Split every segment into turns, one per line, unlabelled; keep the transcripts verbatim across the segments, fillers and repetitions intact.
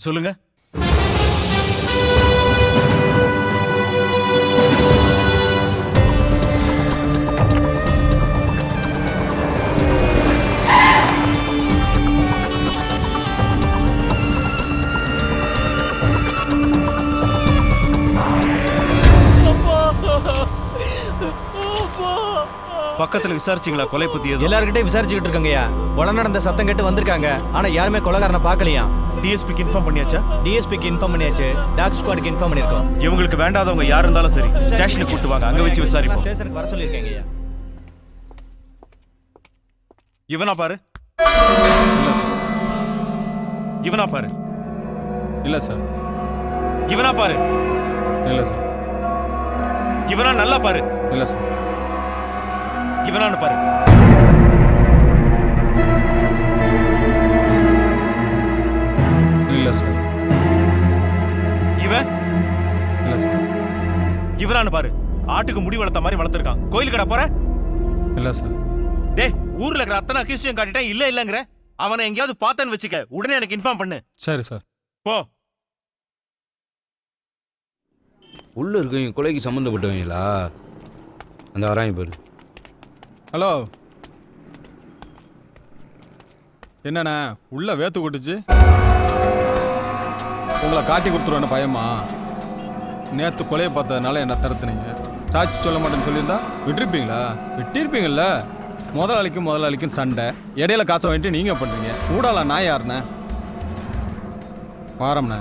சொல்லுங்க. பக்கத்துல விசாரிச்சீங்களா கொலை பத்தி?
எல்லார்கிட்டயும் விசாரிச்சுக்கிட்டு இருக்கங்கய்யா. கொலை நடந்த சத்தம் கேட்டு வந்திருக்காங்க. ஆனா யாருமே கொலைகாரனை பார்க்கலையா.
டிஎஸ்பிக்கு இன்ஃபார்ம் பண்ணியாச்சா?
டிஎஸ்பிக்கு இன்ஃபார்ம் பண்ணியாச்சு. டாக் ஸ்குவாடுக்கு இன்ஃபார்ம் பண்ணிருக்கோம்.
இவங்களுக்கு வேண்டாதவங்க யார் இருந்தாலும் சரி ஸ்டேஷனுக்கு கூட்டு வாங்க, அங்க வச்சு விசாரிப்போம்.
ஸ்டேஷனுக்கு வர சொல்லிருக்கேங்கய்யா.
இவனா பாரு. இவனா பாரு.
இல்ல சார்.
இவனா பாரு.
இல்ல சார்.
இவனா நல்லா பாரு.
இல்ல சார்.
இவனான்னு பாரு.
இல்ல சார்.
இவன்
இல்ல சார்.
இவனான்னு பாரு. ஆட்டுக்கு முடி வளர்த்த மாதிரி வளர்த்திருக்கான். கோயில் கடை போற?
இல்ல சார்.
டேய், ஊர்ல இருக்கிற அத்தனை அக்யூஸ்டையும் காட்டிட்டேன், இல்ல இல்லங்கிற. அவனை எங்கேயாவது பார்த்தேன்னு வச்சுக்க, உடனே எனக்கு இன்ஃபார்ம் பண்ணு.
சரி சார்.
போ.
உள்ள இருக்கவங்க கொலைக்கு சம்மந்தப்பட்டவங்களா? அந்த வராங்க பாரு.
ஹலோ, என்னண்ணே உள்ள வேத்து கொட்டுச்சு? உங்களை காட்டி கொடுத்துருவேன் பயமா? நேற்று கொலையை பார்த்ததுனால என்ன தடுத்துனீங்க. சாட்சி சொல்ல மாட்டேன்னு சொல்லியிருந்தா விட்டுருப்பீங்களா? விட்டிருப்பீங்கள்ல. முதலாளிக்கும் முதலாளிக்கும் சண்டை, இடையில காசை வாங்கிட்டு நீங்கள் பண்ணுறீங்க. ஊடால நான் யாருண்ணே? வாரம்ண்ணே.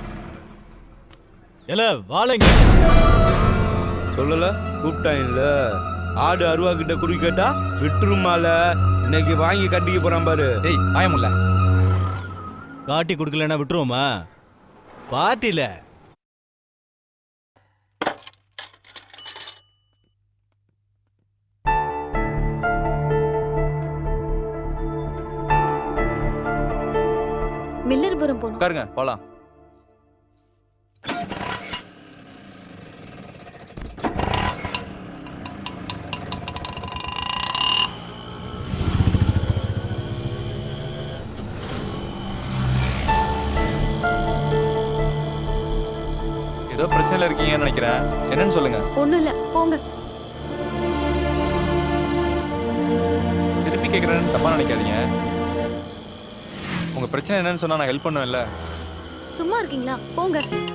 இல்ல வாழைங்க
சொல்லல கூப்பிட்டாங்கல்ல. ஆடு அருவா கிட்ட குறி கேட்டா விட்டுருமால. இன்னைக்கு வாங்கி கட்டிக்க போறான் பாரு.
டேய் பயமில்ல.
காட்டி கொடுக்கலன்னா விட்டுருவோமா? பார்ட்டில
மில்லர்புரம் போனோம்.
உட்காருங்க போலாம். ஏதோ பிரச்சனைல இருக்கீங்கன்னு நினைக்கிறேன். என்னன்னு சொல்லுங்க.
ஒண்ணும் இல்ல, போங்க.
திருப்பி கேட்குறேன்னு தப்பா நினைக்காதீங்க. உங்க பிரச்சனை என்னன்னு சொன்னா நான் ஹெல்ப் பண்ணுவேன்ல.
சும்மா இருக்கீங்களா? போங்க.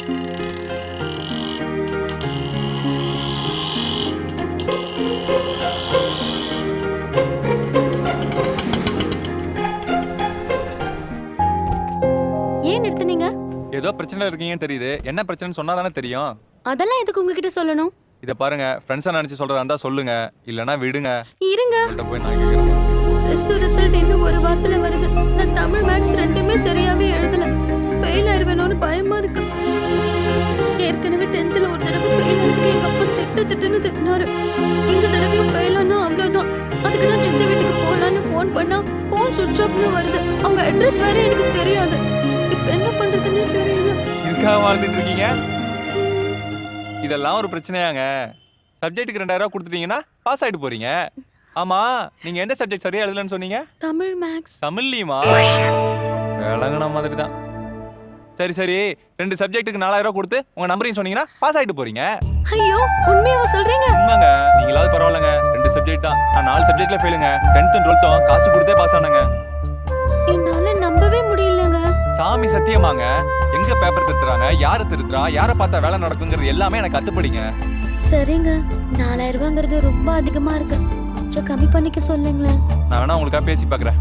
ஏன் நிறுத்துனீங்க?
ஏதோ பிரச்சனை இருக்கீங்கன்னு தெரியுது. என்ன பிரச்சனைன்னு சொன்னா தானே தெரியும்.
அதெல்லாம் எதுக்கு உங்ககிட்ட சொல்லணும்?
இத பாருங்க, ஃப்ரெண்ட்ஸா நினைச்சு சொல்றதா இருந்தா சொல்லுங்க, இல்லனா விடுங்க.
இருங்க.
உங்கள்ட்ட போய் நான் கேக்குறேன்.
டெஸ்ட் ரிசல்ட் இன்னும் ஒரு வாரத்துல வருது. நான் தமிழ் மேக்ஸ் ரெண்டுமே சரியாவே எழுதல. ஃபெயில் ஆயிருவேனோன்னு பயமா இருக்கு. ஏற்கனவே டென்த்ல ஒரு தடவை ஃபெயில் ஆனதுக்கு எங்க அப்பா திட்டு திட்டுன்னு திட்டினாரு. இந்த தடவையும் ஃபெயில் ஆனா அவ்வளவுதான். அதுக்கு தான் சித்த வீட்டுக்கு போலான்னு ஃபோன் பண்ணா ஃபோன் சுவிட்ச் ஆஃப்னு வருது. அவங்க அட்ரஸ் வேற எனக்கு தெரியாது. இப்ப என்ன பண்றதுன்னு தெரியல.
இதுக்காக வாழ்ந்துட்டு இருக்கீங்க? இதெல்லாம் ஒரு பிரச்சனையாங்க? சப்ஜெக்ட்டுக்கு ரெண்டாயிரம் ரூபாய் கொடுத்துட்டீங்கன்னா பாஸ் ஆயிட்டு போறீங்க. ஆமா, நீங்க எந்த சப்ஜெக்ட் சரியா எழுதலன்னு சொன்னீங்க?
தமிழ் மேக்ஸ்.
தமிழ்லயுமா? விளங்குன மாதிரி தான். சரி சரி, ரெண்டு சப்ஜெக்ட்டுக்கு நாலாயிரம் ரூபாய் கொடுத்து உங்க நம்பரையும் சொன்னீங்கன்னா பாஸ் ஆயிட்டு போறீங்க.
ஐயோ, உண்மையாவா சொல்றீங்க?
உண்மைங்க. நீங்களாவது பரவாயில்லைங்க, ரெண்டு சப்ஜெக்ட் தான். நான் நாலு சப்ஜெக்ட்ல ஃபெயிலுங்க. டென்த் டுவெல்த்தும் காசு கொடுத்தே பாஸ் ஆனாங்க.
என்னால நம்பவே முடியலங்க.
சாமி சத்தியமாங்க. எங்க பேப்பர் திருத்துறாங்க, யாரை திருத்துறா, யாரை பார்த்தா வேலை நடக்குங்கிறது எல்லாமே எனக்கு கத்துப்படிங்க.
சரிங்க, நாலாயிரம் ரூபாங்கிறது ரொம்ப அதிகமா இருக்கு. கொஞ்சம் கம்மி பண்ணிக்க சொல்லுங்களேன்.
நான் வேணா உங்களுக்காக பேசி பார்க்குறேன்.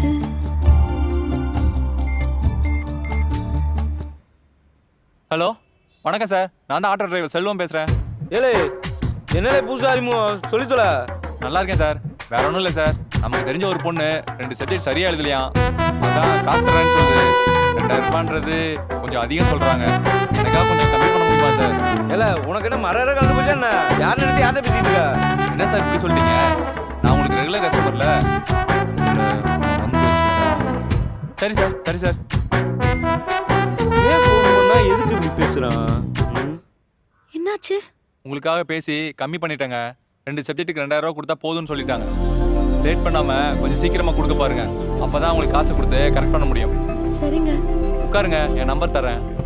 ஹலோ, வணக்கம் சார். நான் தான் ஆட்டோ டிரைவர் செல்வம் பேசுறேன்.
ஏலே என்னலே புதுசா அறிமுகம் சொல்லித்தல.
நல்லா இருக்கேன் சார். வேற ஒன்றும் இல்லை சார். நமக்கு தெரிஞ்ச ஒரு பொண்ணு ரெண்டு சப்ஜெக்ட் சரியா எழுதலையாம். அதான் காசு தரேன்னு சொல்லுது. ரெண்டாயிரம் ரூபான்றது கொஞ்சம் அதிகம் சொல்றாங்க. எனக்காக கொஞ்சம் கம்மி பண்ண முடியுமா சார்?
ஏல உனக்கு என்ன மர கலந்து போச்சா என்ன? யார் நினைச்சு யார்கிட்ட பேசிட்டு இருக்க?
என்ன சார் இப்படி சொல்லிட்டீங்க? நான் உங்களுக்கு ரெகுலர் கஸ்டமர்ல. சரி சார், சரி சார்.
ஏன் ஃபோன் பண்ணா எதுக்கு இப்படி பேசுறான்?
என்னாச்சு?
உங்களுக்காக பேசி கம்மி பண்ணிட்டேங்க. ரெண்டு சப்ஜெக்ட்டுக்கு ரெண்டாயிரம் ரூபா கொடுத்தா போதும்னு சொல்லிட்டாங்க. லேட் பண்ணாம கொஞ்சம் சீக்கிரமா கொடுக்க பாருங்க. அப்பதான் உங்களுக்கு காசு கொடுத்து கரெக்ட் பண்ண முடியும்.
சரிங்க.
உட்காருங்க, என் நம்பர் தரேன்.